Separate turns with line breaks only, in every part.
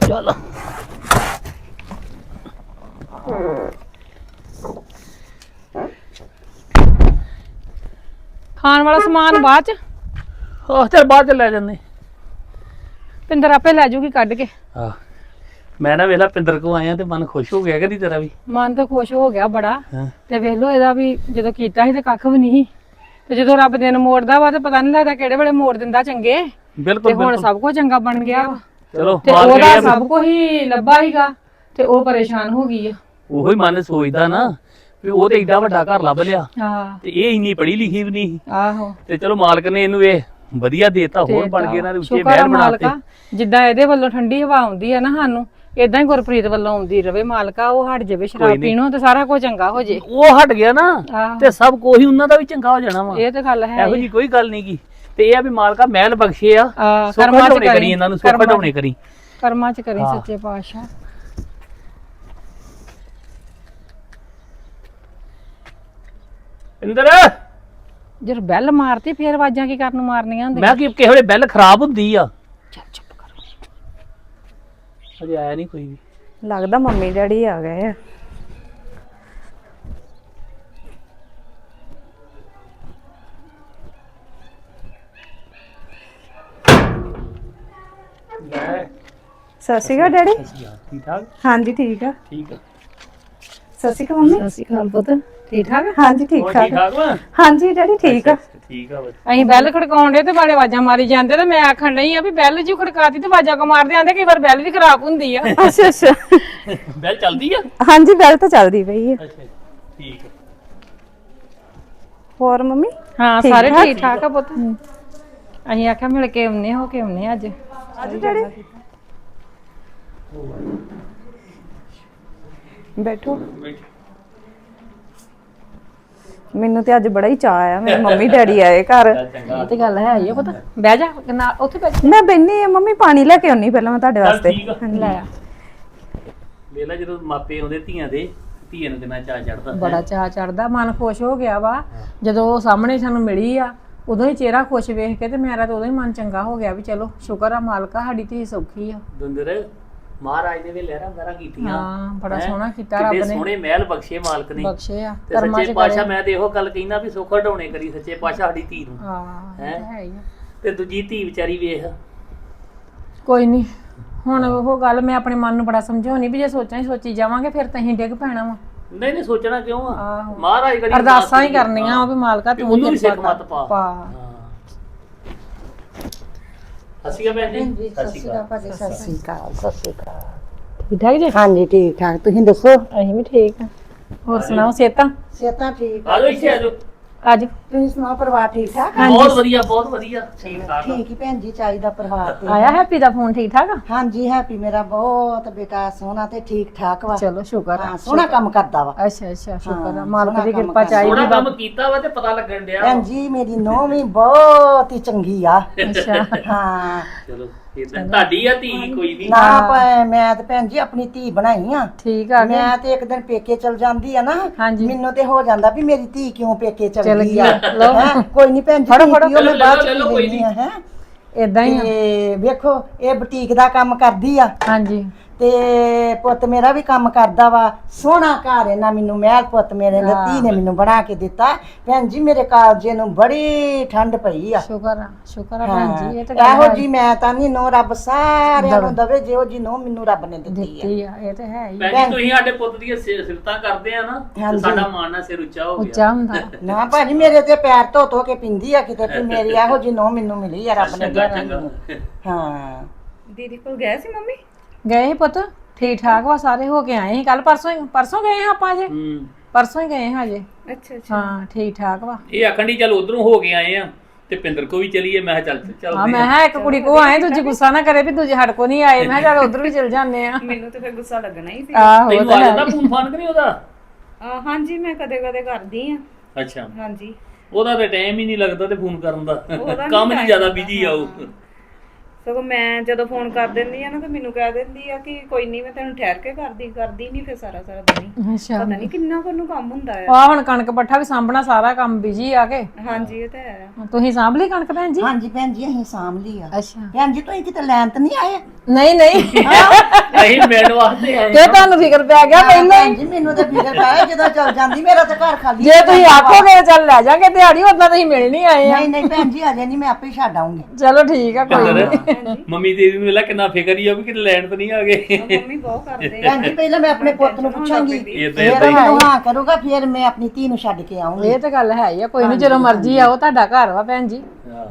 ਚੱਲ
ਖਾਣ ਵਾਲਾ ਸਮਾਨ ਬਾਅਦ ਚ
ਚੱਲ ਬਾਅਦ ਚ ਲੈ ਜਾਂਦੇ।
ਪਿੰਦਰ ਆਪੇ ਲੈ ਜੂਗੀ ਕੱਢ ਕੇ।
ਹਾਂ ਮੈਂ ਨਾ ਵੇਲਾ ਪਿੰਦਰ ਕੋ ਆਇਆ ਤੇ ਮਨ ਖੁਸ਼ ਹੋ ਗਿਆ ਕਦੀ ਤੇਰਾ ਵੀ।
ਮਨ ਤਾਂ ਖੁਸ਼ ਹੋ ਗਿਆ ਬੜਾ।
ਹਾਂ
ਤੇ ਵੇਖ ਲੋ ਇਹਦਾ ਵੀ ਜਦੋਂ ਕੀਤਾ ਸੀ ਤੇ ਕੱਖ ਵੀ ਨਹੀਂ ਤੇ ਜਦੋਂ ਰੱਬ ਦਿਨ ਮੋੜਦਾ ਵਾ ਤੇ ਪਤਾ ਨਹੀਂ ਲੱਗਦਾ ਕਿਹੜੇ ਵੇਲੇ ਮੋੜ ਦਿੰਦਾ ਚੰਗੇ।
ਬਿਲਕੁਲ
ਤੇ ਹੁਣ ਸਭ ਕੁਝ ਚੰਗਾ ਬਣ ਗਿਆ ਵਾ।
ਚਲੋ
ਤੇ ਉਹਦਾ ਸਭ ਕੁਝ ਹੀ ਲੱਭਾ ਹੀਗਾ ਤੇ ਉਹ ਪਰੇਸ਼ਾਨ ਹੋ ਗਈ ਆ।
ਉਹੀ ਮਨ ਸੋਚਦਾ ਨਾ ਵੀ ਉਹ ਤੇ ਏਡਾ ਵੱਡਾ ਘਰ ਲੱਭ ਲਿਆ
ਹਾਂ
ਤੇ ਇਹ ਇੰਨੀ ਪੜ੍ਹੀ ਲਿਖੀ ਵੀ ਨਹੀਂ।
ਆਹੋ
ਤੇ ਚਲੋ ਮਾਲਕ ਨੇ ਇਹਨੂੰ ਇਹ ਵਧੀਆ ਦੇਤਾ ਹੋਰ ਬਣ ਗਏ ਇਹਨਾਂ ਦੇ ਉੱਚੇ
ਸ਼ੁਕਰ ਆ
ਮਹਿਲ ਬਣਾਤੇ।
ਮਾਲਕਾ ਜਿੱਦਾਂ ਇਹਦੇ ਵੱਲੋਂ ਠੰਡੀ ਹਵਾ ਆਉਂਦੀ ਆ ਨਾ ਸਾਨੂੰ ਇਦਾਂ ਹੀ ਗੁਰਪ੍ਰੀਤ ਵੱਲੋਂ ਆਉਂਦੀ ਰਵੇ ਮਾਲਕਾ। ਉਹ ਹਟ ਜਾਵੇ ਸ਼ਰਾਬ ਪੀਣੋਂ ਤੇ ਸਾਰਾ ਕੁਝ ਚੰਗਾ ਹੋ ਜੇ।
ਉਹ ਹਟ ਗਿਆ ਨਾ ਤੇ ਸਭ ਕੁਝ ਉਹਨਾਂ ਦਾ ਵੀ ਚੰਗਾ ਹੋ ਜਾਣਾ ਵਾ।
ਇਹ ਤੇ ਗੱਲ ਹੈ
ਇਹੋ ਜੀ ਕੋਈ ਗੱਲ ਨਹੀਂ ਗੀ। ਤੇ ਇਹ ਆ ਵੀ ਮਾਲਕਾ ਮਹਿਲ ਬਖਸ਼ੇ ਆ
ਕਰਮਾਂ ਚ
ਕਰੀ ਇਹਨਾਂ ਨੂੰ ਸੁੱਖ ਢਾਉਣੇ ਕਰੀ
ਕਰਮਾਂ ਚ ਕਰੀ ਸੱਚੇ ਪਾਤਸ਼ਾਹ।
ਇੰਦਰ
ਜੇ ਬੈਲ ਮਾਰਤੀ ਫੇਰ ਆਵਾਜ਼ਾਂ ਕੀ ਕਰਨ ਨੂੰ ਮਾਰਨੀਆਂ ਹੁੰਦੀਆਂ।
ਮੈਂ ਕਿ ਕਿਸੇ ਵੇਲੇ ਬੈਲ ਖਰਾਬ ਹੁੰਦੀ ਆ।
ਚੱਲ ਚੁੱਪ ਕਰ।
ਅਜੇ ਆਇਆ ਨਹੀਂ ਕੋਈ ਵੀ।
ਲੱਗਦਾ ਮੰਮੀ ਡੈਡੀ ਆ ਗਏ ਆ। ਸਤਿ ਸ਼੍ਰੀ ਅਕਾਲ ਡੈਡੀ।
ਠੀਕ ਠਾਕ
ਹਾਂਜੀ ਠੀਕ ਆ।
ਠੀਕ ਆ
ਸਤਿ ਸ਼੍ਰੀ ਅਕਾਲ ਮੰਮੀ। ਸਤਿ ਸ਼੍ਰੀ ਅਕਾਲ ਪੁੱਤ ਠੀਕ ਠਾਕ। ਹਾਂਜੀ ਠੀਕ
ਹੋਰ
ਠਾਕ।
ਠੀਕ ਠਾਕ ਵਾ
ਹਾਂਜੀ ਡੈਡੀ ਠੀਕ ਆ।
ਠੀਕ ਆ
ਅਸੀਂ ਬੈਲ ਖੜਕਾਉਣ ਦੇ ਤੇ ਬਾੜੇ ਆਵਾਜ਼ਾਂ ਮਾਰੀ ਜਾਂਦੇ ਤੇ ਮੈਂ ਆਖਣ ਨਹੀਂ ਆ ਵੀ ਬੈਲ ਜੀ ਖੜਕਾਤੀ ਤੇ ਆਵਾਜ਼ਾਂ ਕੋ ਮਾਰਦੇ ਆਂਦੇ ਕਈ ਵਾਰ ਬੈਲ ਵੀ ਖਰਾਬ ਹੁੰਦੀ ਆ। ਅੱਛਾ ਅੱਛਾ
ਬੈਲ ਚੱਲਦੀ ਆ।
ਹਾਂਜੀ ਬੈਲ ਤਾਂ ਚੱਲਦੀ ਪਈ ਆ।
ਅੱਛਾ ਠੀਕ ਆ।
ਹੋਰ ਮੰਮੀ ਹਾਂ ਸਾਰੇ ਠੀਕ ਠਾਕ ਆ ਪੁੱਤ। ਅਸੀਂ ਆਖਿਆ ਮਿਲ ਕੇ ਆਉਨੇ ਹੋ ਕੇ ਆਉਨੇ ਅੱਜ ਡੈਡੀ। ਬੈਠੋ। ਮੈਨੂੰ ਤੇ ਅੱਜ ਬੜਾ ਹੀ ਚਾਅ ਆ ਮੇਰੇ ਮੰਮੀ ਡੈਡੀ ਆਏ ਘਰ। ਇਹ ਤੇ ਗੱਲ ਹੈ ਹੀ ਪਤਾ। ਬਹਿ ਜਾ ਨਾ ਉੱਥੇ ਬੈਠ। ਮੈਂ ਬੈਣੀ ਆ ਮੰਮੀ ਪਾਣੀ ਲੈ ਕੇ ਆਉਣੀ ਪਹਿਲਾਂ ਮੈਂ ਤੁਹਾਡੇ ਵਾਸਤੇ। ਲੈ ਆ
ਵੇਲਾ ਜਦੋਂ ਮਾਪੇ ਆਉਂਦੇ ਧੀਆਂ ਦੇ ਧੀਆਂ ਨੂੰ ਕਿੰਨਾ ਚਾਅ ਚੜਦਾ।
ਬੜਾ ਚਾਅ ਚੜਦਾ ਮਨ ਖੁਸ਼ ਹੋ ਗਿਆ ਵਾ ਜਦੋਂ ਉਹ ਸਾਹਮਣੇ ਸਾਨੂੰ ਮਿਲੀ ਆ। ਉਦੋਂ ਹੀ ਚਿਹਰਾ ਖੁਸ਼ ਵੇਖ ਕੇ ਤੇ ਮੇਰਾ ਤਾਂ ਉਦੋਂ ਹੀ ਮਨ ਚੰਗਾ ਹੋ ਗਿਆ ਵੀ ਚਲੋ ਸ਼ੁਕਰ ਆ ਮਾਲਕਾ ਸਾਡੀ ਧੀ ਸੌਖੀ ਆ।
ਦੁੰਦਰ ਮਹਾਰਾਜ ਨੇ ਵੀ ਲਹਿਰਾਂ ਵਹਿਰਾਂ ਕੀਤੀਆਂ।
ਹਾਂ ਬੜਾ ਸੋਹਣਾ ਕੀਤਾ ਰੱਬ ਨੇ।
ਸੋਹਣੇ ਮਹਿਲ ਬਖਸ਼ੇ ਮਾਲਕ ਨੇ।
ਬਖਸ਼ੇ ਆ
ਸੱਚੇ ਪਾਤਸ਼ਾਹ ਮੈਂ ਤੇ ਇਹੋ ਗੱਲ ਕਹਿਣਾ ਵੀ ਸੁੱਖ ਢਾਉਣੇ ਕਰੀ ਸੱਚੇ ਪਾਤਸ਼ਾਹ ਸਾਡੀ ਧੀ ਨੂੰ।
ਹਾਂ ਹੈ ਹੀ ਆ।
ਤੇ ਦੂਜੀ ਧੀ ਵਿਚਾਰੀ ਵੇਖ।
ਕੋਈ ਨਹੀਂ ਹੁਣ ਉਹ ਗੱਲ ਮੈਂ ਆਪਣੇ ਮਨ ਨੂੰ ਬੜਾ ਸਮਝਾਉਣੀ ਵੀ ਜੇ ਸੋਚੀ ਜਾਵਾਂਗੇ ਫਿਰ ਤਾਂ ਅਸੀਂ ਡਿੱਗ ਪੈਣਾ ਵਾ।
ਨਹੀਂ ਨਹੀਂ ਸੋਚਣਾ ਕਿਉਂ ਆ। ਮਹਾਰਾਜ ਕਰੀ
ਅਰਦਾਸਾਂ ਹੀ ਕਰਨੀਆਂ ਵੀ ਮਾਲਕਾ ਤੂੰ
ਉਹਨੂੰ ਵੀ ਸਿੱਖ ਮਤ ਪਾ। ਸਸੀਆ ਭੈਣ ਜੀ। ਸਸੀਆ
ਸਤਿ ਸ਼੍ਰੀ ਅਕਾਲ। ਸਤਿ ਸ਼੍ਰੀ ਅਕਾਲ।
ਠੀਕ ਠਾਕ ਜੀ।
ਹਾਂਜੀ ਠੀਕ ਠਾਕ ਤੁਸੀਂ ਦੱਸੋ।
ਅਸੀਂ ਵੀ ਠੀਕ ਆ। ਹੋਰ ਸੁਣਾਓ ਸਿਹਤਾਂ
ਸਿਹਤਾਂ ਠੀਕ
ਆ ਜਾਓ ਇੱਥੇ ਆ ਜਾਓ।
ਅੱਜ
ਤੁਸੀਂ ਸੁਣਾਓ ਪਰਿਵਾਰ ਠੀਕ ਠਾਕ।
ਬਹੁਤ ਵਧੀਆ ਬਹੁਤ ਵਧੀਆ ਠੀਕ ਠਾਕ।
ਠੀਕ ਹੀ ਭੈਣ ਜੀ ਚਾਹੀਦਾ ਪਰਿਵਾਰ ਤੇ।
ਆਇਆ ਹੈਪੀ ਦਾ ਫੋਨ ਠੀਕ ਠਾਕ ਆ।
ਹਾਂਜੀ ਹੈਪੀ ਮੇਰਾ ਬਹੁਤ ਬੇਟਾ ਸੋਹਣਾ ਤੇ ਠੀਕ ਠਾਕ ਵਾ।
ਚਲੋ ਸ਼ੁਕਰ ਆ।
ਹਾਂ ਸੋਹਣਾ ਕੰਮ ਕਰਦਾ ਵਾ।
ਅੱਛਾ ਅੱਛਾ ਸ਼ੁਕਰ ਆ ਮਾਲਕ ਦੀ ਕਿਰਪਾ ਚਾਹੀਦੀ
ਸੋਹਣਾ ਕੰਮ ਕੀਤਾ ਵਾ ਤੇ ਪਤਾ ਲੱਗਣ ਡਿਆ।
ਭੈਣ ਜੀ ਮੇਰੀ ਨੂੰਹ ਵੀ ਬਹੁਤ ਹੀ ਚੰਗੀ ਆ।
ਅੱਛਾ
ਹਾਂ
ਚਲੋ ਤੁਹਾਡੀ ਆ ਧੀ ਕੋਈ ਨਹੀਂ।
ਨਾ ਮੈਂ ਤੇ ਭੈਣ ਜੀ ਆਪਣੀ ਧੀ ਬਣਾਈ ਆ।
ਠੀਕ ਆ
ਮੈਂ ਤੇ ਇੱਕ ਦਿਨ ਪੇਕੇ ਚਲ ਜਾਂਦੀ ਆ ਨਾ
ਹਾਂਜੀ
ਮੈਨੂੰ ਤੇ ਹੋ ਜਾਂਦਾ ਵੀ ਮੇਰੀ ਧੀ ਕਿਉਂ ਪੇਕੇ ਚਲ ਗਈ ਆ।
ਲਓ।
ਹੈਂ, ਕੋਈ ਨਹੀਂ ਭੈਣ ਜੀ
ਫੜੋ,
ਧੀ
ਫੜੋ।
ਪੀਓ, ਮੈਂ ਬਾਅਦ ਚ
ਲੈ ਲਓ,
ਪੀ
ਕੋਈ
ਲੈਂਦੀ ਆ। ਹੈ
ਇਦਾਂ ਹੀ ਆ।
ਤੇ ਵੇਖੋ ਇਹ ਬੁਟੀਕ ਦਾ ਕੰਮ ਕਰਦੀ ਆ
ਹਾਂਜੀ
ਤੇ ਪੁੱਤ ਮੇਰਾ ਵੀ ਕੰਮ ਕਰਦਾ ਵਾ। ਸੋਹਣਾ ਘਰ ਇਹਨਾਂ ਮੈਨੂੰ ਮਹਿਲ ਪੁੱਤ ਮੇਰੇ ਨੇ ਧੀ ਨੇ ਮੈਨੂੰ ਬਣਾ ਕੇ ਦਿੱਤਾ। ਭੈਣ ਜੀ ਮੇਰੇ ਕਾਲਜੇ ਨੂੰ ਬੜੀ ਠੰਡ ਪਈ ਆ।
ਸ਼ੁਕਰ ਆ ਭੈਣ ਜੀ। ਇਹ ਤਾਂ
ਇਹੋ ਜੀ ਮੈਂ ਤਾਂ ਨਹੀਂ ਨੋ ਰੱਬ ਸਾਰਿਆਂ ਨੂੰ ਦਵੇ ਜਿਹੋ ਜੀ ਨੋ ਮੈਨੂੰ ਰੱਬ ਨੇ ਦਿੱਤੀ ਆ।
ਦਿੱਤੀ ਆ ਇਹ ਤਾਂ ਹੈ ਹੀ
ਭੈਣ ਜੀ ਤੁਸੀਂ ਸਾਡੇ ਪੁੱਤ ਦੀਆਂ ਸਿਫਤਾਂ ਕਰਦੇ ਆ ਨਾ ਤੇ ਸਾਡਾ ਮਾਣ ਨਾਲ ਸਿਰ ਉੱਚਾ ਹੋ ਗਿਆ।
ਉੱਚਾ ਹੁੰਦਾ।
ਨਾ ਭਾਜੀ ਮੇਰੇ ਤੇ ਪੈਰ ਧੋ ਧੋ ਕੇ ਪਿੰਦੀ ਆ ਕਿਤੇ ਵੀ ਮੇਰੀ ਇਹੋ ਜੀ ਨੋ ਮੈਨੂੰ ਮਿਲੀ ਆ ਰੱਬ ਨੇ ਦਿੱਤੀ। ਹਾਂ
ਦੀਦੀ ਕੋਲ ਗਏ ਸੀ ਮੰਮੀ।
ਗਏ ਸੀ ਪੁੱਤ ਠੀਕ ਠਾਕ ਵਾ ਸਾਰੇ ਹੋ ਕੇ ਆਏ ਸੀ ਕੱਲ ਪਰਸੋਂ ਗਏ ਹਾਂ ਆਪਾਂ ਅਜੇ। ਪਰਸੋਂ ਹੀ ਗਏ ਹਾਂ ਅਜੇ।
ਅੱਛਾ ਅੱਛਾ
ਹਾਂ ਠੀਕ ਠਾਕ ਵਾ।
ਇਹ ਆਖਣ ਦੀ ਚੱਲ ਉਧਰੋਂ ਹੋ ਕੇ ਆਏ ਆ ਤੇ ਪਿੰਦਰ ਕੋ ਵੀ ਚਲੀਏ। ਮੈਂ ਕਿਹਾ ਚੱਲ
ਹਾਂ ਮੈਂ ਕਿਹਾ ਇੱਕ ਕੁੜੀ ਕੋ ਆਏ ਦੂਜੀ ਗੁੱਸਾ ਨਾ ਕਰੇ ਵੀ ਦੂਜੇ ਹੜ ਕੋ ਨਹੀਂ ਆਏ। ਮੈਂ ਕਿਹਾ ਚੱਲ ਉਧਰ ਵੀ ਚਲ ਜਾਂਦੇ ਆ।
ਮੈਨੂੰ ਤਾਂ ਫਿਰ ਗੁੱਸਾ ਲੱਗਣਾ ਹੀ ਸੀ।
ਆਹੋ
ਤੈਨੂੰ ਆ ਜਾਂਦਾ ਫੋਨ ਫਾਨ ਕਰੀ ਉਹਦਾ।
ਹਾਂਜੀ ਮੈਂ ਕਦੇ ਕਦੇ ਕਰਦੀ ਆ।
ਅੱਛਾ
ਹਾਂਜੀ
ਉਹਦਾ ਤੇ ਟਾਈਮ ਹੀ ਨਹੀਂ ਲੱਗਦਾ ਤੇ ਫੋਨ ਕਰਨ ਦਾ ਕੰਮ 'ਚ ਜ਼ਿਆਦਾ ਬਿਜੀ ਆ ਉਹ।
ਸਗੋਂ ਮੈਂ ਜਦੋਂ ਫੋਨ ਕਰ ਦਿੰਦੀ ਆ ਨਾ ਤੇ ਮੈਨੂੰ ਕਹਿ ਦਿੰਦੀ ਆ ਕਿ ਕੋਈ ਨਹੀਂ ਮੈਂ ਤੈਨੂੰ ਠਹਿਰ ਕੇ ਕਰਦੀ ਨਹੀਂ ਫਿਰ ਸਾਰਾ ਦਿਨ ਹੀ।
ਅੱਛਾ
ਪਤਾ ਨਹੀਂ ਕਿੰਨਾ ਕੁ ਨੂੰ ਕੰਮ ਹੁੰਦਾ ਆ।
ਆ ਹੁਣ ਕਣਕ ਪੱਠਾ ਵੀ ਸਾਂਭਣਾ ਸਾਰਾ ਕੰਮ ਬਿਜੀ ਆ ਕੇ।
ਹਾਂਜੀ ਇਹ ਤਾਂ ਹੈ।
ਤੁਸੀਂ ਸਾਂਭ ਲਈ ਕਣਕ ਭੈਣ ਜੀ?
ਹਾਂਜੀ ਭੈਣ ਜੀ ਅਸੀਂ ਸਾਂਭ ਲਈ ਆ।
ਅੱਛਾ
ਭੈਣ ਜੀ ਤੁਸੀਂ ਕਿਤੇ ਲੈਣ ਤਾਂ ਨਹੀਂ ਆਏ?
ਨਹੀਂ ਨਹੀਂ
ਅਸੀਂ ਮਿਲਣ ਵਾਸਤੇ ਆਏ
ਤੇ ਤੁਹਾਨੂੰ ਫਿਕਰ ਪੈ ਗਿਆ ਪਹਿਲਾਂ
ਭੈਣ ਜੀ ਮੈਨੂੰ ਤਾਂ ਫਿਕਰ ਪਿਆ ਜਦੋਂ ਚੱਲ ਜਾਂਦੀ ਮੇਰਾ ਤਾਂ ਘਰ ਖਾਲੀ
ਜੇ ਤੁਸੀਂ ਆਖੋਗੇ ਚੱਲ ਲੈ ਜਾਗੇ ਦਿਹਾੜੀ ਉਦਾਂ ਤੁਸੀਂ ਮਿਲ ਨਹੀਂ ਆਏ ਆ।
ਨਹੀਂ ਨਹੀਂ ਭੈਣ ਜੀ ਅਜੇ ਨਹੀਂ ਮੈਂ ਆਪੇ ਛੱਡ ਆਉਂਗੀ।
ਚਲੋ ਠੀਕ ਆ ਕੋਈ ਨੀ।
ਮੰਮੀ ਤੇਰੀ ਨੂੰ ਵੇਲਾ ਕਿੰਨਾ ਫਿਕਰ ਹੀ ਆ ਵੀ ਕਿਤੇ ਲੈਣ ਤਾਂ ਨਹੀਂ ਆ ਗਏ।
ਮੰਮੀ ਬਹੁਤ ਕਰਦੇ ਆ।
ਭੈਣ ਜੀ ਪਹਿਲਾਂ ਮੈਂ ਆਪਣੇ ਪੁੱਤ ਨੂੰ ਪੁੱਛਾਂਗੀ
ਏਦਾਂ
ਫਿਰ ਮੈਨੂੰ ਹਾਂ ਕਰੂਗਾ ਫਿਰ ਮੈਂ ਆਪਣੀ ਧੀ ਨੂੰ ਛੱਡ ਕੇ ਆਉਂਗੀ।
ਇਹ ਤਾਂ ਗੱਲ ਹੈ ਹੀ ਆ ਕੋਈ ਨਹੀਂ ਜਦੋਂ ਮਰਜ਼ੀ ਆਓ ਤੁਹਾਡਾ ਘਰ ਵਾ ਭੈਣ ਜੀ।
ਹਾਂ।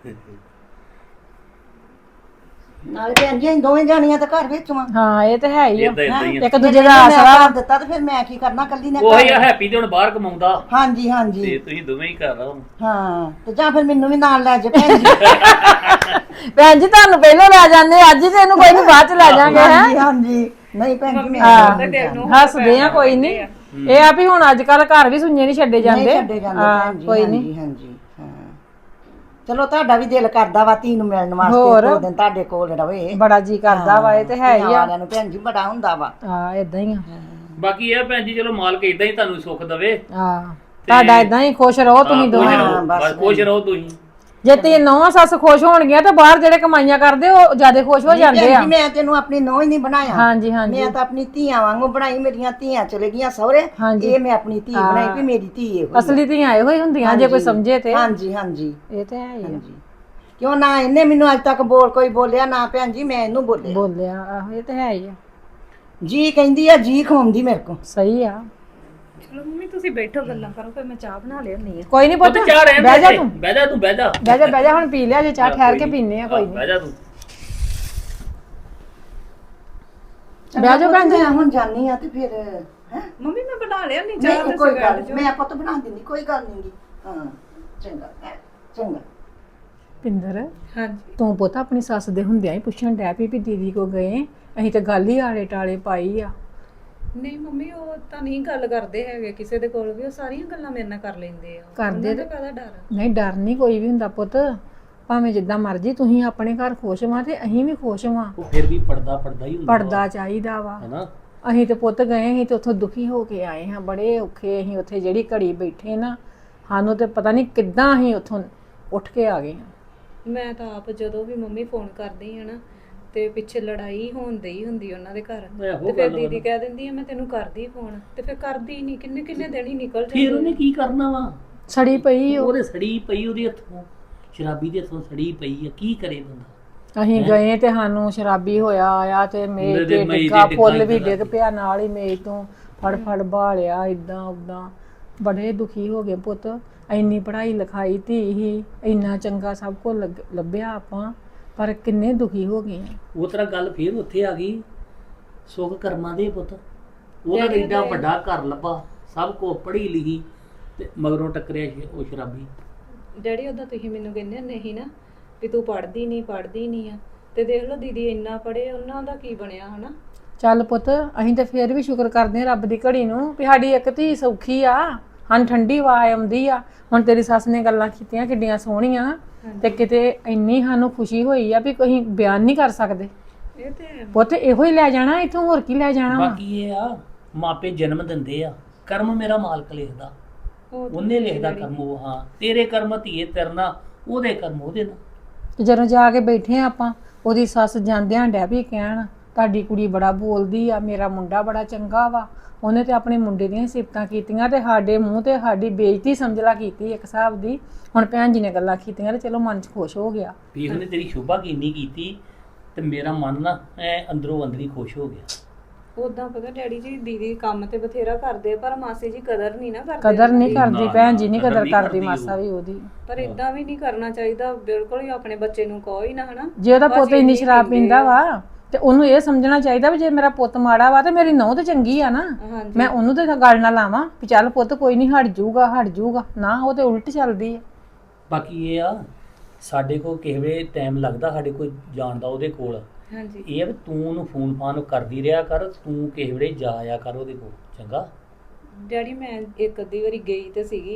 ਨਾਲੇ ਭੈਣ ਜੀ ਅਸੀਂ ਦੋਵੇਂ ਜਾਣੀਆਂ ਤਾਂ ਘਰ ਵਿੱਚ ਵਾਂ।
ਹਾਂ ਇਹ ਤਾਂ ਹੈ ਹੀ ਆ
ਏਦਾਂ ਏਦਾਂ ਹੀ ਆ।
ਇੱਕ ਦੂਜੇ ਦਾ
ਮੈਂ
ਆਸਰਾ
ਕਰ ਦਿੱਤਾ ਤੇ ਫਿਰ ਮੈਂ ਕੀ ਕਰਨਾ ਕੱਲੀ ਨੇ
ਉਹੀ ਆ ਹੈਪੀ ਤੇ ਹੁਣ ਬਾਹਰ ਕਮਾਉਂਦਾ
ਹਾਂਜੀ ਹਾਂਜੀ
ਤੇ ਤੁਸੀਂ ਦੋਵੇਂ ਹੀ ਕਰ ਰਹੋ।
ਹਾਂ ਤੇ ਜਾਂ ਫਿਰ ਮੈਨੂੰ ਵੀ ਨਾਲ ਲੈ ਜਾ ਭੈਣ ਜੀ।
ਭੈਣ ਜੀ ਤੁਹਾਨੂੰ ਪਹਿਲਾਂ ਲੈ ਜਾਂਦੇ ਅੱਜ ਹੀ ਤੇ ਇਹਨੂੰ ਕੋਈ ਨਹੀਂ ਬਾਅਦ ਚ ਲੈ ਜਾਾਂਗੇ ਹੈ।
ਹਾਂਜੀ ਹਾਂਜੀ ਨਹੀਂ ਭੈਣ ਜੀ ਮੈਂ
ਹੱਸਦੇ ਆ ਕੋਈ ਨਹੀਂ। ਇਹ ਆ ਵੀ ਹੁਣ ਅੱਜ ਕੱਲ ਘਰ ਵੀ ਸੁਣਨੇ ਨਹੀਂ ਛੱਡੇ ਜਾਂਦੇ।
ਛੱਡੇ ਜਾਂਦੇ
ਹਾਂ,
ਭੈਣ ਜੀ
ਕੋਈ
ਹਾਂਜੀ
ਨਹੀਂ।
ਹਾਂਜੀ ਹਾਂ ਚਲੋ ਤੁਹਾਡਾ ਵੀ ਦਿਲ ਕਰਦਾ ਵਾ ਧੀ ਨੂੰ ਮਿਲਣ
ਹੋਰ।
ਵਾਸਤੇ 2 ਦਿਨ ਤੁਹਾਡੇ ਕੋਲ ਰਵੇ।
ਬੜਾ ਜੀ ਕਰਦਾ ਵਾ ਇਹ ਤੇ ਹੈ ਹੀ ਆ।
ਵਾਲਿਆਂ ਨੂੰ ਭੈਣ ਜੀ ਬੜਾ ਹੁੰਦਾ ਵਾ।
ਹਾਂ ਇਦਾਂ ਹੀ ਆ।
ਬਾਕੀ ਇਹ ਭੈਣ ਜੀ ਚਲੋ ਮਾਲਕ ਇਦਾਂ ਹੀ ਤੁਹਾਨੂੰ ਸੁੱਖ ਦਵੇ।
ਹਾਂ ਤੁਹਾਡਾ ਇਦਾਂ ਹੀ ਖੁਸ਼ ਰਹੋ ਤੁਸੀਂ ਦੋਵੇਂ।
ਬਸ ਖੁਸ਼ ਰਹੋ ਤੁਸੀਂ।
ਜੇ ਤੀ ਨੌਵਾਂ ਸੱਸ ਖੁਸ਼ ਹੋਣਗੀਆਂ ਤਾਂ ਬਾਹਰ ਜਿਹੜੇ ਕਮਾਈਆਂ ਕਰਦੇ ਉਹ ਜਿਆਦਾ ਖੁਸ਼ ਹੋ ਜਾਂਦੇ
ਭੈਣ
ਆ।
ਜੀ ਮੈਂ ਤੈਨੂੰ ਆਪਣੀ ਨੋਹ ਹੀ ਨਹੀਂ ਬਣਾਇਆ।
ਹਾਂਜੀ ਹਾਂਜੀ
ਮੈਂ ਤਾਂ ਆਪਣੀ ਧੀਆਂ ਵਾਂਗੂ ਬਣਾਈ। ਮੇਰੀਆਂ ਧੀਆਂ ਚਲੇ ਗਈਆਂ ਸਹੁਰੇ
ਹਾਂਜੀ।
ਇਹ ਮੈਂ ਆਪਣੀ ਧੀ ਬਣਾਈ ਵੀ ਮੇਰੀ ਧੀ ਇਹੋ ਹੀ ਆ।
ਅਸਲੀ ਧੀਆਂ ਇਹੋ ਹੀ ਹੁੰਦੀਆਂ ਜੇ ਕੋਈ ਸਮਝੇ ਤੇ।
ਹਾਂਜੀ ਹਾਂਜੀ
ਇਹ ਤੇ ਹੈ ਹੀ ਆ।
ਹਾਂਜੀ ਕਿਉਂ ਨਾ ਇਹਨੇ ਮੈਨੂੰ ਅੱਜ ਤੱਕ ਕੋਈ ਬੋਲਿਆ ਨਾ ਭੈਣ ਜੀ ਮੈਂ ਇਹਨੂੰ ਬੋਲਿਆ।
ਬੋਲਿਆ ਆਹੋ ਇਹ ਤੇ ਹੈ ਹੀ ਆ।
ਜੀ ਕਹਿੰਦੀ ਆ ਜੀ ਖਵਾਉਂਦੀ ਮੇਰੇ ਕੋ।
ਸਹੀ ਆ।
ਚਲੋ ਮੰਮੀ ਤੁਸੀਂ ਬੈਠੋ ਗੱਲਾਂ ਕਰੋ ਫਿਰ ਮੈਂ ਚਾਹ ਬਣਾ ਲਿਆਉਣੀ ਆ।
ਕੋਈ ਨਹੀਂ ਪੁੱਤ
ਪੁੱਤ ਚਾਹ ਰਹਿਣ
ਬਹਿ ਜਾ
ਦੇ।
ਤੂੰ
ਬਹਿ ਜਾ ਤੂੰ ਬਹਿ ਜਾ।
ਬਹਿ ਜਾ ਹੁਣ ਪੀ ਲਿਆ ਜੇ ਚਾਹ ਠਹਿਰ ਕੇ ਪੀਨੇ ਆ ਕੋਈ ਨਹੀਂ।
ਬਹਿ ਜਾ ਤੂੰ।
ਬਹਿ ਜਾ ਭੈਣ ਜੀ।
ਮੈਂ ਹੁਣ ਜਾਨੀ ਆ ਤੇ ਫਿਰ ਹੈ
ਮੰਮੀ ਮੈਂ ਬਣਾ ਲਿਆਉਣੀ ਚਾਹ
ਨਹੀਂ ਕੋਈ ਗੱਲ ਨੀ, ਮੈਂ ਪੁੱਤ ਬਣਾ ਦਿੰਦੀ ਕੋਈ ਗੱਲ ਨਹੀਂ। ਹਾਂ ਚੰਗਾ ਚੰਗਾ।
ਪਿੰਦਰ
ਹਾਂਜੀ
ਤੂੰ ਪੁੱਤ ਆਪਣੀ ਸੱਸ ਦੇ ਹੁੰਦਿਆਂ ਹੀ ਪੁੱਛਣ ਡੈ ਪਈ ਵੀ ਦੀਦੀ ਕੋ ਗਏ ਅਸੀਂ ਤਾਂ ਗੱਲ ਹੀ ਆਲੇ ਟਾਲੇ ਪਾਈ ਆ।
ਨਹੀਂ ਮੰਮੀ ਉਹ ਤਾਂ ਨਹੀਂ ਗੱਲ ਕਰਦੇ ਹੈਗੇ ਕਿਸੇ ਦੇ ਕੋਲ ਵੀ। ਉਹ ਸਾਰੀਆਂ ਗੱਲਾਂ ਮੇਰੇ ਨਾਲ ਕਰ ਲੈਂਦੇ ਆ।
ਕਰਦੇ
ਉਹਨਾਂ ਦਾ ਕਾਹਦਾ ਡਰ।
ਨਹੀਂ ਡਰ ਨਹੀਂ ਕੋਈ ਵੀ ਹੁੰਦਾ ਪੁੱਤ। ਭਾਵੇਂ ਜਿੱਦਾਂ ਮਰਜ਼ੀ ਤੁਸੀਂ ਆਪਣੇ ਘਰ ਖੁਸ਼ ਵਾਂ ਤੇ ਅਸੀਂ ਵੀ ਖੁਸ਼ ਵਾਂ।
ਉਹ ਫਿਰ ਵੀ ਪੜਦਾ ਹੀ ਹੁੰਦਾ
ਪੜਦਾ ਚਾਹੀਦਾ ਵਾ।
ਹੈਨਾ।
ਅਸੀਂ ਤੇ ਪੁੱਤ ਗਏ ਅਸੀਂ ਤੇ ਉੱਥੋਂ ਦੁਖੀ ਹੋ ਕੇ ਆਏ ਹਾਂ ਬੜੇ ਔਖੇ। ਅਸੀਂ ਉੱਥੇ ਜਿਹੜੀ ਘੜੀ ਬੈਠੇ ਨਾ ਸਾਨੂੰ ਤੇ ਪਤਾ ਨਹੀਂ ਕਿੱਦਾਂ ਅਸੀਂ ਉੱਥੋਂ ਉੱਠ ਕੇ ਆ ਗਏ ਹਾਂ।
ਮੈਂ ਤਾਂ ਆਪ ਜਦੋਂ ਵੀ ਮੰਮੀ ਫੋਨ ਕਰਦੀ ਆ ਨਾ ਤੇ ਪਿੱਛੇ ਲੜਾਈ ਹੁੰਦੀ ਉਹਨਾਂ ਦੇ ਘਰ। ਤੇ ਫਿਰ ਦੀਦੀ ਕਹਿ ਦਿੰਦੀ ਆ ਮੈਂ ਤੈਨੂੰ ਕਰਦੀ ਫੋਨ ਤੇ ਫਿਰ ਕਰਦੀ ਨਹੀਂ। ਕਿੰਨੇ ਦਿਨ ਹੀ ਨਿਕਲ
ਫਿਰ
ਜਾਂਦੇ।
ਉਹਨੇ ਕੀ ਕਰਨਾ ਵਾ?
ਸੜੀ ਪਈ ਉਹ।
ਉਹਦੇ ਸੜੀ ਪਈ ਉਹਦੇ ਹੱਥੋਂ ਸ਼ਰਾਬੀ ਦੇ ਹੱਥੋਂ ਸੜੀ ਪਈ ਆ। ਕੀ ਕਰੇ ਬੰਦਾ?
ਅਸੀਂ ਗਏ ਤੇ ਸਾਨੂੰ ਸ਼ਰਾਬੀ ਹੋਇਆ ਆਇਆ ਤੇ ਮੇਜ਼
ਉਹਦੇ
ਤੇ
ਮੇਜ਼
ਡਿੱਗਾ
ਤੇ
ਫੁੱਲ
ਡਿੱਗਾ
ਵੀ
ਏਦਾਂ
ਡਿੱਗ ਪਿਆ ਨਾਲ ਹੀ ਮੇਜ਼ ਤੋਂ ਫੜ ਭਾਲਿਆ ਇਦਾਂ ਉਦਾਂ। ਬੜੇ ਦੁਖੀ ਹੋ ਗਏ ਪੁੱਤ। ਇੰਨੀ ਪੜ੍ਹਾਈ ਲਿਖਾਈ ਧੀ ਹੀ ਇੰਨਾ ਚੰਗਾ ਸਭ ਕੁਝ ਲੱਭਿਆ ਆਪਾਂ ਪਰ ਕਿੰਨੇ ਦੁਖੀ ਹੋ ਗਏ ਆ।
ਉਹ ਤਰ੍ਹਾਂ ਗੱਲ ਫੇਰ ਉੱਥੇ ਆ ਗਈ। ਸੁੱਖ ਕਰਮਾਂ ਦੇ ਪੁੱਤ। ਉਹਦਾ ਤਾਂ ਏਡਾ ਵੱਡਾ ਘਰ ਲੱਭਾ ਸਭ ਕੋ ਪੜ੍ਹੀ ਲਿਖੀ ਤੇ ਮਗਰੋਂ ਟੱਕਰਿਆ ਉਹ ਸ਼ਰਾਬੀ।
ਡੈਡੀ ਉਹਦਾ ਤੁਸੀਂ ਮੈਨੂੰ ਕਹਿੰਦੇ ਨਹੀਂ ਨਾ ਵੀ ਤੂੰ ਪੜ੍ਹਦੀ ਨਹੀਂ ਆ ਤੇ ਦੇਖ ਲਓ ਦੀਦੀ ਇੰਨਾ ਪੜ੍ਹੇ ਉਹਨਾਂ ਦਾ ਕੀ ਬਣਿਆ ਹਨਾ।
ਚੱਲ ਪੁੱਤ ਅਸੀਂ ਤਾਂ ਫੇਰ ਵੀ ਸ਼ੁਕਰ ਕਰਦੇ ਆ ਰੱਬ ਦੀ ਘੜੀ ਨੂੰ ਵੀ ਸਾਡੀ ਇੱਕ ਧੀ ਸੌਖੀ ਆ। ਹਾਂ ਠੰਡੀ ਵਾਹ ਆਉਂਦੀ ਆ। ਹੁਣ ਤੇਰੀ ਸੱਸ ਨੇ ਗੱਲਾਂ ਕੀਤੀਆਂ ਕਿੱਡੀਆਂ ਸੋਹਣੀਆਂ ਤੇ ਕਿਤੇ ਇੰਨੀ ਸਾਨੂੰ ਖੁਸ਼ੀ ਹੋਈ ਆ ਵੀ ਅਸੀਂ ਬਿਆਨ ਨਹੀਂ ਕਰ ਸਕਦੇ।
ਇਹ ਤੇ
ਪੁੱਤ ਇਹੋ ਹੀ ਲੈ ਜਾਣਾ ਇੱਥੋਂ ਹੋਰ ਕੀ ਲੈ ਜਾਣਾ ਵਾ।
ਬਾਕੀ ਇਹ ਆ ਮਾਪੇ ਜਨਮ ਦਿੰਦੇ ਆ ਕਰਮ ਮੇਰਾ ਮਾਲਕ ਲਿਖਦਾ। ਉਹਨੇ ਲਿਖਦਾ ਕਰਮ ਉਹ। ਹਾਂ ਤੇਰੇ ਕਰਮ ਧੀਏ ਤਰਨਾ ਉਹਦੇ ਕਰਮ ਉਹਦੇ ਨਾਲ।
ਤੇ ਜਦੋਂ ਜਾ ਕੇ ਬੈਠੇ ਆ ਆਪਾਂ ਉਹਦੀ ਸੱਸ ਜਾਂਦਿਆਂ ਡੈ ਵੀ ਕਹਿਣ ਤੁਹਾਡੀ ਕੁੜੀ ਬੜਾ ਬੋਲਦੀ ਆ ਮੇਰਾ ਮੁੰਡਾ ਬੜਾ ਚੰਗਾ ਵਾ। ਉਹਨੇ ਤੇ ਆਪਣੇ ਮੁੰਡੇ ਦੀਆਂ ਸਿਫਤਾਂ ਕੀਤੀਆਂ ਤੇ ਸਾਡੇ ਮੂੰਹ ਤੇ ਸਾਡੀ ਬੇਇੱਜ਼ਤੀ ਸਮਝਲਾ ਕੀਤੀ ਇੱਕ ਹਿਸਾਬ ਦੀ। ਹੁਣ ਭੈਣ ਜੀ ਨੇ ਗੱਲਾਂ ਕੀਤੀਆਂ ਤੇ ਚਲੋ ਮਨ 'ਚ ਖੁਸ਼ ਹੋ ਗਿਆ
ਵੀ ਉਹਨੇ ਤੇਰੀ ਸ਼ੋਭਾ ਕਿੰਨੀ ਕੀਤੀ ਤੇ ਮੇਰਾ ਮਨ ਨਾ ਐ ਅੰਦਰੋਂ ਅੰਦਰੀ ਖੁਸ਼ ਹੋ ਗਿਆ।
ਉਦਾਂ ਪਤਾ ਡੈਡੀ ਜੀ ਦੀਦੀ ਕੰਮ ਤੇ ਬਥੇਰਾ ਕਰਦੇ ਪਰ ਮਾਸੀ ਜੀ ਕਦਰ ਨਹੀਂ ਨਾ ਕਰਦੇ।
ਕਦਰ ਨਹੀਂ ਕਰਦੀ
ਨਾ,
ਭੈਣ ਜੀ ਨਹੀਂ
ਕਦਰ
ਕਦਰ
ਨਹੀਂ
ਕਰਦੀ
ਕਰਦੀ
ਮਾਸਾ
ਉਹ।
ਵੀ ਉਹਦੀ।
ਪਰ ਇਦਾਂ ਵੀ ਨਹੀਂ ਕਰਨਾ ਚਾਹੀਦਾ ਬਿਲਕੁਲ ਹੀ। ਆਪਣੇ ਬੱਚੇ ਨੂੰ ਕਹੋ ਹੀ ਨਾ ਹਨਾ।
ਜੇ ਉਹਦਾ ਪੁੱਤ ਇੰਨੀ ਸ਼ਰਾਬ ਪੀਂਦਾ ਵਾ ਤੇ ਉਹਨੂੰ ਇਹ ਸਮਝਣਾ ਚਾਹੀਦਾ ਵੀ ਜੇ ਮੇਰਾ ਪੁੱਤ ਮਾੜਾ ਵਾ ਤੇ ਮੇਰੀ ਨੂੰਹ ਤੇ ਚੰਗੀ ਆ ਨਾ।
ਹਾਂਜੀ
ਮੈਂ ਉਹਨੂੰ ਤੇ ਗੱਲ ਨਾ ਲਾਵਾਂ ਵੀ ਚੱਲ ਪੁੱਤ ਕੋਈ ਨਹੀਂ ਹਟ ਜਾਊਗਾ ਨਾ ਉਹ ਤੇ ਉਲਟ ਚੱਲਦੀ ਹੈ।
ਬਾਕੀ ਇਹ ਆ ਸਾਡੇ ਕੋਲ ਕਿਸੇ ਵੇਲੇ ਟਾਈਮ ਲੱਗਦਾ ਸਾਡੇ ਕੋਲ ਜਾਣ ਦਾ ਉਹਦੇ ਕੋਲ।
ਹਾਂਜੀ
ਇਹ ਆ ਵੀ ਤੂੰ ਉਹਨੂੰ ਫੋਨ ਫਾਨ ਕਰਦੀ ਰਿਹਾ ਕਰ। ਤੂੰ ਕਿਸੇ ਵੇਲੇ ਜਾ ਆਇਆ ਕਰ ਉਹਦੇ ਕੋਲ ਚੰਗਾ।
ਡੈਡੀ ਮੈਂ ਇੱਕ ਅੱਧੀ ਵਾਰੀ ਗਈ ਤੇ ਸੀਗੀ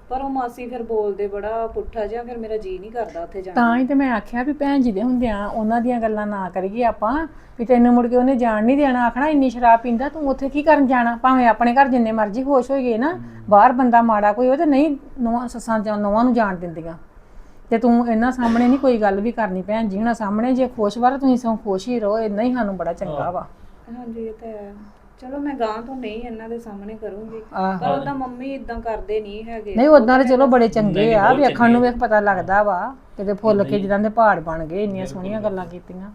ਪਰ ਉਹ ਮਾਸੀ ਫਿਰ ਬੋਲਦੇ ਬੜਾ ਪੁੱਠਾ ਜਿਹਾ, ਫਿਰ ਮੇਰਾ ਜੀ ਨਹੀਂ ਕਰਦਾ ਉੱਥੇ ਜਾਣ
ਤਾਂ ਹੀ ਤੇ ਮੈਂ ਆਖਿਆ ਵੀ ਭੈਣ ਜੀ ਦੇ ਹੁੰਦਿਆਂ ਉਹਨਾਂ ਦੀਆਂ ਗੱਲਾਂ ਨਾ ਕਰੀਏ ਆਪਾਂ, ਵੀ ਤੈਨੂੰ ਮੁੜ ਕੇ ਉਹਨੇ ਜਾਣ ਨਹੀਂ ਦੇਣਾ, ਆਖਣਾ ਇੰਨੀ ਸ਼ਰਾਬ ਪੀਂਦਾ ਤੂੰ ਉੱਥੇ ਕੀ ਕਰਨ ਜਾਣਾ। ਭਾਵੇਂ ਆਪਣੇ ਘਰ ਜਿੰਨੇ ਮਰਜ਼ੀ ਖੁਸ਼ ਹੋਈਏ ਨਾ, ਬਾਹਰ ਬੰਦਾ ਮਾੜਾ ਕੋਈ ਹੋਵੇ ਤੇ ਨਹੀਂ ਨੌਵਾਂ ਸੱਸਾਂ ਜਾਂ ਨੌਵਾਂ ਨੂੰ ਜਾਣ ਦਿੰਦੀਆਂ। ਤੇ ਤੂੰ ਇਹਨਾਂ ਸਾਹਮਣੇ ਨਹੀਂ ਕੋਈ ਗੱਲ ਵੀ ਕਰਨੀ ਭੈਣ ਜੀ ਹੁਣਾਂ ਸਾਹਮਣੇ, ਜੇ ਖੁਸ਼ ਵਾ ਤੁਸੀਂ ਸਗੋਂ ਖੁਸ਼ ਹੀ ਰਹੋ, ਇੰਨਾ ਹੀ ਸਾਨੂੰ ਬੜਾ ਚੰਗਾ ਵਾ।
ਹਾਂਜੀ ਇਹ ਤਾਂ ਹੈ। ਚਲੋ ਮੈਂ ਗਾਂ ਤੋਂ ਨਹੀਂ ਇਹਨਾਂ ਦੇ ਸਾਹਮਣੇ ਕਰੂੰਗੀ,
ਆਹੋ।
ਪਰ ਉਹਦਾ ਮੰਮੀ ਇਦਾਂ ਕਰਦੇ ਨਹੀਂ ਹੈਗੇ।
ਨਹੀਂ ਉਦਾਂ ਤੇ ਚਲੋ ਬੜੇ ਚੰਗੇ ਆ, ਵੇਖਣ ਨੂੰ ਵੇਖ ਪਤਾ ਲੱਗਦਾ ਵਾ ਕਿਤੇ ਫੁੱਲ ਕੇ ਜਿੱਦਾਂ ਦੇ ਪਹਾੜ ਬਣ ਗਏ, ਇੰਨੀਆਂ ਸੋਹਣੀਆਂ ਗੱਲਾਂ ਕੀਤੀਆਂ।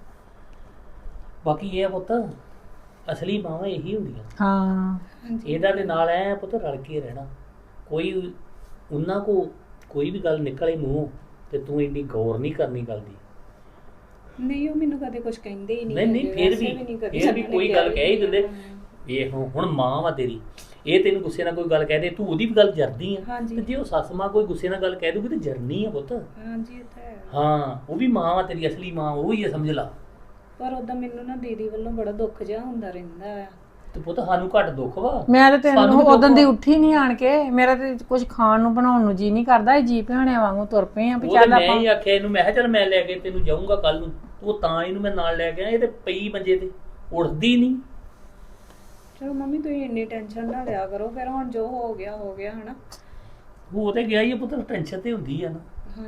ਬਾਕੀ ਇਹ ਆ ਪੁੱਤ, ਅਸਲੀ ਮਾਵਾਂ ਇਹੀ ਹੁੰਦੀਆਂ।
ਹਾਂ
ਇਹਦਾ ਦੇ ਨਾਲ ਐ ਪੁੱਤ ਰਲ ਕੇ ਰਹਿਣਾ। ਕੋਈ ਉਹਨਾਂ ਕੋ ਕੋਈ ਵੀ ਗੱਲ ਨਿਕਲੇ ਮੂੰਹ ਤੇ ਤੂੰ ਇੰਨੀ ਗੌਰ ਨਹੀਂ ਕਰਨੀ ਗੱਲ ਦੀ।
ਨਹੀਂ ਉਹ ਮੈਨੂੰ ਕਦੇ ਕੁਝ ਕਹਿੰਦੇ ਹੀ ਨਹੀਂ।
ਨਹੀਂ ਨਹੀਂ ਫਿਰ ਵੀ ਕੋਈ ਗੱਲ ਕਹਿ ਹੀ ਦਿੰਦੇ। ਇਹ ਹੁਣ ਮਾਂ ਵਾ ਤੇਰੀ, ਇਹ ਤੈਨੂੰ ਗੁੱਸੇ ਨਾਲ ਕੋਈ ਗੱਲ ਕਹਿ ਦੇ, ਤੂੰ ਉਹਦੀ ਵੀ ਗੱਲ ਜਰਦੀ ਆ। ਤੇ ਜੇ ਉਹ ਸੱਸ ਮਾਂ ਕੋਈ ਗੁੱਸੇ ਨਾਲ ਗੱਲ ਕਹਿ ਦੂਗੀ ਤੇ ਜਰਨੀ ਆ ਪੁੱਤ।
ਹਾਂਜੀ ਇਹ ਤਾਂ ਹੈ।
ਹਾਂ ਉਹ ਵੀ ਮਾਂ ਵਾ ਤੇਰੀ, ਅਸਲੀ ਮਾਂ ਉਹ ਹੀ ਆ, ਸਮਝ ਲਾ।
ਪਰ ਉਦਾਂ ਮੈਨੂੰ ਨਾ ਦੀਦੀ ਵੱਲੋਂ ਬੜਾ ਦੁੱਖ ਜਿਹਾ ਹੁੰਦਾ ਰਹਿੰਦਾ ਆ।
ਤੇ ਪੁੱਤ ਸਾਨੂੰ ਘੱਟ ਦੁੱਖ ਵਾ।
ਮੈਂ ਤੇ ਤੈਨੂੰ ਉਦੋਂ ਦੀ ਉੱਠੀ ਨਹੀਂ ਆਣ ਕੇ, ਮੇਰਾ ਤੇ ਕੁਝ ਖਾਣ ਨੂੰ ਬਣਾਉਣ ਨੂੰ ਜੀ ਨਹੀਂ ਕਰਦਾ, ਇਹ ਜੀ ਭਿਆਣਿਆਂ ਵਾਂਗੂ ਤੁਰ ਪਏ ਆ ਵੀ ਚੱਲ
ਮੈਂ
ਆਪਾਂ।
ਹੀ ਆਖਿਆ ਇਹਨੂੰ, ਮੈਂ ਕਿਹਾ ਚੱਲ ਮੈਂ ਲੈ ਕੇ ਤੈਨੂੰ ਜਾਊਂਗਾ ਕੱਲ ਨੂੰ, ਉਹ ਤਾਂ ਇਹਨੂੰ ਮੈਂ ਨਾਲ ਲੈ ਗਿਆ। ਇਹ ਤੇ ਪਈ ਮੰਜੇ ਤੇ ਉੱਠਦੀ ਨਹੀਂ।
ਚਲੋ ਮੰਮੀ ਤੁਸੀਂ ਇੰਨੀ ਟੈਨਸ਼ਨ ਨਾ ਲਿਆ ਕਰੋ, ਫਿਰ ਹੁਣ ਜੋ ਹੋ ਗਿਆ ਹਨਾ।
ਉਹ ਤੇ ਗਿਆ ਹੀ ਆ ਪੁੱਤ, ਟੈਨਸ਼ਨ ਤੇ ਹੁੰਦੀ ਆ ਨਾ।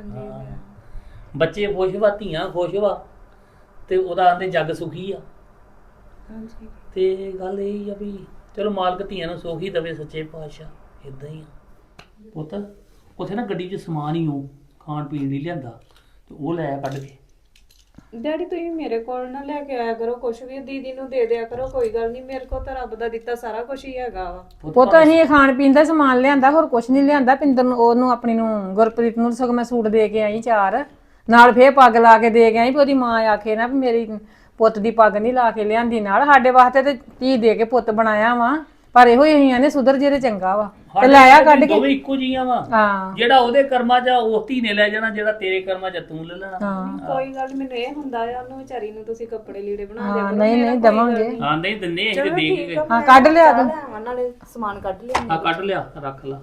ਹਾਂਜੀ
ਬੱਚੇ ਖੁਸ਼ ਵਾ, ਧੀਆਂ ਖੁਸ਼ ਵਾ, ਤੇ ਉਹਦਾ ਆਂਦੇ ਜੱਗ ਸੁਖੀ ਆ।
ਹਾਂਜੀ
ਤੇ ਗੱਲ ਇਹ ਆ ਵੀ ਚਲੋ ਮਾਲਕ ਧੀਆਂ ਨੂੰ ਸੁਖ ਹੀ ਦੇਵੇ, ਸੱਚੇ ਪਾਤਸ਼ਾਹ। ਇਦਾਂ ਹੀ ਆ ਪੁੱਤ। ਉੱਥੇ ਨਾ ਗੱਡੀ 'ਚ ਸਮਾਨ ਹੀ ਉਹ ਖਾਣ ਪੀਣ ਲਈ ਲਿਆਂਦਾ, ਤੇ ਉਹ ਲੈ ਆ ਕੱਢ ਕੇ।
ਡੈਡੀ ਤੁਸੀਂ ਮੇਰੇ ਕੋਲ ਨਾ ਲੈ ਕੇ ਆਇਆ ਕਰੋ ਕੁਝ ਵੀ, ਦੀਦੀ ਨੂੰ ਦੇ ਦਿਆ ਕਰੋ, ਕੋਈ ਗੱਲ ਨਹੀਂ। ਮੇਰੇ ਕੋਲ ਤਾਂ ਰੱਬ ਦਾ ਦਿੱਤਾ ਸਾਰਾ ਕੁਝ ਹੀ ਹੈਗਾ ਵਾ।
ਉਹ ਤਾਂ ਅਸੀਂ ਖਾਣ ਪੀਣ ਦਾ ਸਮਾਨ ਲਿਆਂਦਾ, ਹੋਰ ਕੁਝ ਨਹੀਂ ਲਿਆਂਦਾ। ਪਿੰਦਰ ਨੂੰ, ਉਹਨੂੰ ਆਪਣੀ ਨੂੰ, ਗੁਰਪ੍ਰੀਤ ਨੂੰ ਸਗੋਂ ਮੈਂ ਸੂਟ ਦੇ ਕੇ ਆਈ 4 ਨਾਲ, ਫੇਰ ਪੱਗ ਲਾ ਕੇ ਦੇ ਕੇ ਆਈ ਵੀ ਉਹਦੀ ਮਾਂ ਆਖੇ ਨਾ ਵੀ ਮੇਰੀ ਪੁੱਤ ਦੀ ਪੱਗ ਨਹੀਂ ਲਾ ਕੇ ਲਿਆਂਦੀ ਨਾਲ। ਸਾਡੇ ਵਾਸਤੇ ਤੇ ਧੀ ਦੇ ਕੇ ਪੁੱਤ ਬਣਾਇਆ ਵਾ, ਪਰ ਇਹੋ ਹੀ ਨੇ ਸੁਧਰ ਜੇ ਤੇ ਚੰਗਾ ਵਾ ਤੇ ਲਾਇਆ ਕੱਢ ਕੇ।
ਦੋਵੇਂ ਇੱਕੋ ਜੀਆਂ ਵਾ।
ਹਾਂ
ਜਿਹੜਾ ਉਹਦੇ ਕਰਮਾਂ 'ਚ ਉਹ ਧੀ ਨੇ ਲੈ ਜਾਣਾ, ਜਿਹੜਾ ਤੇਰੇ ਕਰਮਾਂ 'ਚ ਤੂੰ ਲੈ ਲੈਣਾ।
ਕੋਈ ਗੱਲ ਨੀ, ਮੈਨੂੰ ਇਹ ਹੁੰਦਾ ਆ ਉਹਨੂੰ ਵਿਚਾਰੀ ਨੂੰ ਤੁਸੀਂ ਕੱਪੜੇ ਲੀੜੇ ਬਣਾ ਦਿਆ ਕਰੋ।
ਨਹੀਂ ਨਹੀਂ ਦਵਾਂਗੇ।
ਹਾਂ ਨਹੀਂ ਦਿੰਨੇ ਅਸੀਂ ਤੇ ਦੇ ਕੇ ਗਏ।
ਹਾਂ ਕੱਢ ਲਿਆ ਤੂੰ।
ਨਾਲੇ ਸਮਾਨ ਕੱਢ ਲਿਆ।
ਹਾਂ ਕੱਢ ਲਿਆ, ਰੱਖ ਲਾ।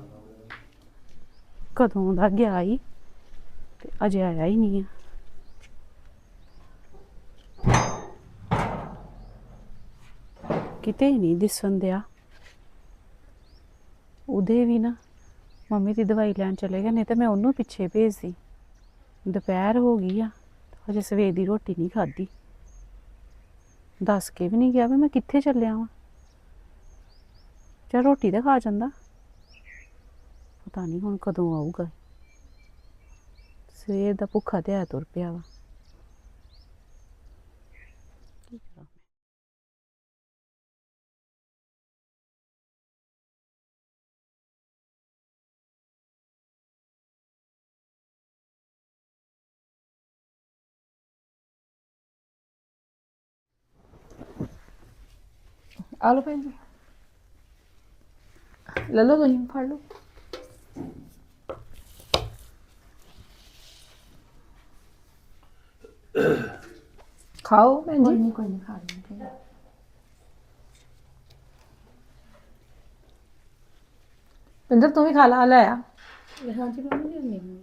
ਕਦੋਂ ਦਾ ਗਿਆ ਈ ਤੇ ਅਜੇ ਆਇਆ ਹੀ ਨਹੀਂ ਆ। ਕਿਤੇ ਨਹੀਂ ਦਿਸਣ ਦਿਆ। ਉਹਦੇ ਵੀ ਨਾ ਮੰਮੀ ਦੀ ਦਵਾਈ ਲੈਣ ਚਲੇ ਗਏ, ਨਹੀਂ ਤੇ ਮੈਂ ਉਹਨੂੰ ਪਿੱਛੇ ਭੇਜਦੀ। ਦੁਪਹਿਰ ਹੋ ਗਈ ਆ, ਹਜੇ ਸਵੇਰ ਦੀ ਰੋਟੀ ਨਹੀਂ ਖਾਧੀ। ਦੱਸ ਕੇ ਵੀ ਨਹੀਂ ਗਿਆ ਵੀ ਮੈਂ ਕਿੱਥੇ ਚੱਲਿਆ ਵਾਂ। ਚੱਲ ਰੋਟੀ ਤਾਂ ਖਾ ਜਾਂਦਾ, ਪਤਾ ਨਹੀਂ ਹੁਣ ਕਦੋਂ ਆਊਗਾ। ਸਵੇਰ ਦਾ ਭੁੱਖਾ ਤੇ ਆ ਤੁਰ ਪਿਆ ਵਾ। ਕੀ ਕਰਾਂ ਮੈਂ।
ਆ ਲਓ ਭੈਣ ਜੀ, ਲੈ ਲਓ ਤੁਸੀਂ, ਫੜ ਲਓ। ਖਾਓ ਭੈਣ ਜੀ।
ਕੋਈ ਨਹੀਂ ਖਾ ਲੈਂਦੇ।
ਪਿੰਦਰ ਤੂੰ ਵੀ ਖਾ ਲਾ, ਲੈ ਆ।
ਹਾਂਜੀ ਮੰਮੀ ਜੀ ਨਹੀਂ।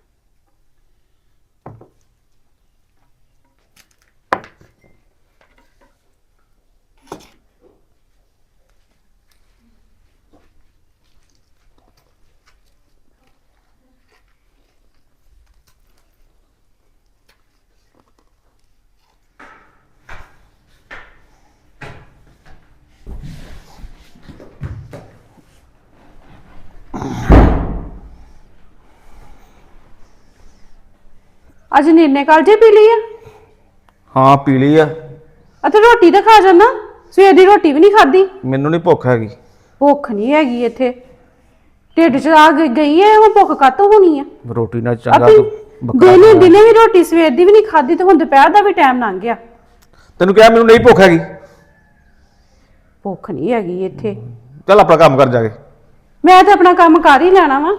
ਅੱਜ ਨੀਨੇ ਕਾਲਜੇ ਪੀ ਲਈ ਆ?
ਹਾਂ ਪੀ ਲਈ ਆ।
ਅਤੇ ਰੋਟੀ ਤਾਂ ਖਾ ਜਾਣਾ, ਸਵੇਰ ਦੀ ਰੋਟੀ ਵੀ ਨਹੀਂ ਖਾਧੀ।
ਮੈਨੂੰ ਨਹੀਂ ਭੁੱਖ ਹੈਗੀ।
ਭੁੱਖ ਨਹੀਂ ਹੈਗੀ ਇੱਥੇ, ਢਿੱਡ 'ਚ ਆ ਗਈ ਹੈ, ਹੁਣ ਭੁੱਖ ਕਾਹਤੋਂ ਹੋਣੀ ਆ?
ਰੋਟੀ ਨਾਲ ਚੰਗਾ ਤੂੰ
ਦਿਨੇ ਦਿਨੇ ਵੀ ਰੋਟੀ ਸਵੇਰ ਦੀ ਵੀ ਨਹੀਂ ਖਾਧੀ, ਤੇ ਹੁਣ ਦੁਪਹਿਰ ਦਾ ਵੀ ਟਾਈਮ ਲੰਘ ਗਿਆ।
ਤੈਨੂੰ ਕਿਹਾ ਮੈਨੂੰ ਨਹੀਂ ਭੁੱਖ ਹੈਗੀ।
ਭੁੱਖ ਨਹੀਂ ਹੈਗੀ ਇੱਥੇ।
ਚੱਲ ਆਪਣਾ ਕੰਮ ਕਰ ਜਾ ਕੇ।
ਮੈਂ ਤਾਂ ਆਪਣਾ ਕੰਮ ਕਰ ਹੀ ਲੈਣਾ ਵਾ,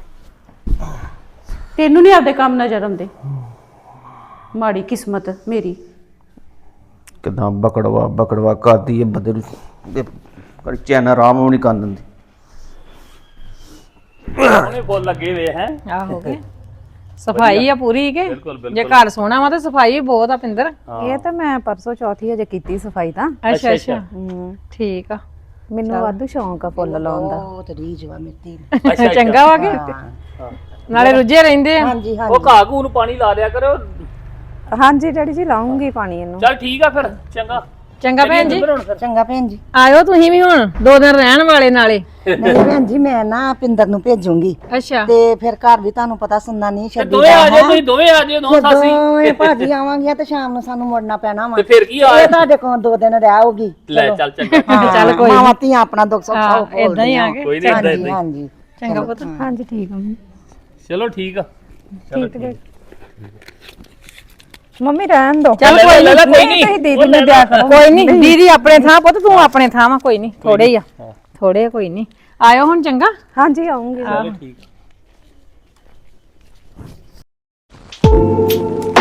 ਤੈਨੂੰ ਨਹੀਂ ਆਪਦੇ ਕੰਮ ਨਜ਼ਰ ਆਉਂਦੇ। ਮਾੜੀ ਕਿਸਮਤ ਮੇਰੀ।
ਕਿਦਾਂ ਬਕੜਵਾ ਕਰਦੀ ਹੈ ਬੰਦੇ ਨੂੰ, ਚੈਨ ਆਰਾਮ ਨੂੰ ਨਹੀਂ ਕਰਨ ਦਿੰਦੀ।
ਉਹਨੇ ਫੁੱਲ ਲੱਗੇ ਵੇ ਹੈ
ਆਹੋ ਕੇ ਸਫਾਈ ਆ ਪੂਰੀ ਕੇ
ਬਿਲਕੁਲ, ਬਿਲਕੁਲ।
ਜੇ ਘਰ ਸੋਹਣਾ ਵਾ ਤੇ ਸਫਾਈ ਵੀ ਬਹੁਤ ਆ ਪਿੰਦਰ
ਇਹ ਤਾਂ ਮੈਂ ਪਰਸੋਂ ਚੌਥੀ ਹਜੇ ਕੀਤੀ ਸਫਾਈ ਤਾਂ
ਅੱਛਾ ਅੱਛਾ ਠੀਕ ਆ
ਮੈਨੂੰ ਵਾਧੂ ਸ਼ੌਂਕ ਆ ਫੁੱਲ ਲਾਉਣ ਦਾ
ਬਹੁਤ ਰੀਝ ਵਾ ਮਿੱਤੀ
ਅੱਛਾ
ਚੰਗਾ ਵਾ ਕੇ ਨਾਲੇ ਰੁੱਝੇ ਰਹਿੰਦੇ ਆ
ਹਾਂਜੀ
ਉਹ ਘਾਹ ਘੂ ਨੂੰ ਪਾਣੀ ਲਾ ਦਿਆ ਕਰੋ।
ਹਾਂਜੀ ਡੈਡੀ ਜੀ ਲਾਉਂਗੀ ਪਾਣੀ ਇਹਨੂੰ
ਚੱਲ ਠੀਕ ਆ ਫਿਰ ਚੰਗਾ
ਚੰਗਾ ਭੈਣ ਜੀ
ਚੱਲੀਏ ਹੁਣ ਫਿਰ।
ਚੰਗਾ ਭੈਣ ਜੀ
ਆਇਓ ਤੁਸੀਂ ਵੀ ਹੁਣ 2 ਦਿਨ ਰਹਿਣ ਵਾਲੇ ਨਾਲੇ
ਨਹੀਂ ਭੈਣ ਜੀ ਮੈਂ ਨਾ ਪਿੰਦਰ ਨੂੰ ਭੇਜੂੰਗੀ
ਅੱਛਾ
ਤੇ ਫਿਰ ਘਰ ਵੀ ਤੁਹਾਨੂੰ ਪਤਾ ਸੁਣਨਾ ਨਹੀਂ
ਤੇ
ਛੱਡੀ
ਦੋਵੇਂ ਆ ਜਾਓ ਤੁਸੀਂ ਦੋਵੇਂ ਆ ਜਾਓ ਦੋਵੇਂ ਸਾਸੀ
ਦੋਵੇਂ ਭਾਜੀ ਆਵਾਂਗੀਆਂ ਤੇ ਸ਼ਾਮ ਨੂੰ ਸਾਨੂੰ ਮੁੜਨਾ ਪੈਣਾ ਵਾ
ਤੇ ਫਿਰ ਕੀ ਆ
ਇਹ ਤੁਹਾਡੇ ਕੋਲ 2 ਦਿਨ ਰਹੋਗੀ
ਲੈ ਚੱਲ ਚੰਗਾ
ਚੱਲ ਕੋਈ
ਮਾਵਾਂ ਧੀਆਂ ਆਪਣਾ ਦੁੱਖ ਸੁੱਖ ਸਭ
ਹਾਂ ਇਦਾਂ ਹੀ ਆ ਕੇ
ਕੋਈ ਨਹੀਂ ਏਦਾਂ
ਹਾਂਜੀ
ਏਦਾਂ ਹੀ।
ਹਾਂਜੀ
ਚੰਗਾ ਪੁੱਤ
ਹਾਂਜੀ ਠੀਕ ਆ
ਚਲੋ ਠੀਕ ਆ ਚਲੋ ਠੀਕ
ਮੰਮੀ ਰਹਿਣ ਦੋ
ਚੱਲ ਕੋਈ
ਲੈ ਲੈ ਕੋਈ
ਤੁਸੀਂ
ਨਹੀਂ
ਦੀਦੀ ਨੂੰ ਦਿਆ ਕਰੋ
ਕੋਈ ਨਹੀਂ ਦੀਦੀ ਆਪਣੇ ਥਾਂ ਪੁੱਤ ਤੂੰ ਆਪਣੇ ਥਾਂ ਵਾ ਕੋਈ ਨਹੀਂ ਥੋੜੇ ਹੀ ਆ ਥੋੜੇ ਆ, ਕੋਈ ਨਹੀਂ ਆਇਓ ਹੁਣ ਚੰਗਾ
ਹਾਂਜੀ ਆਉਂਗੀ
ਚਲੋ ਠੀਕ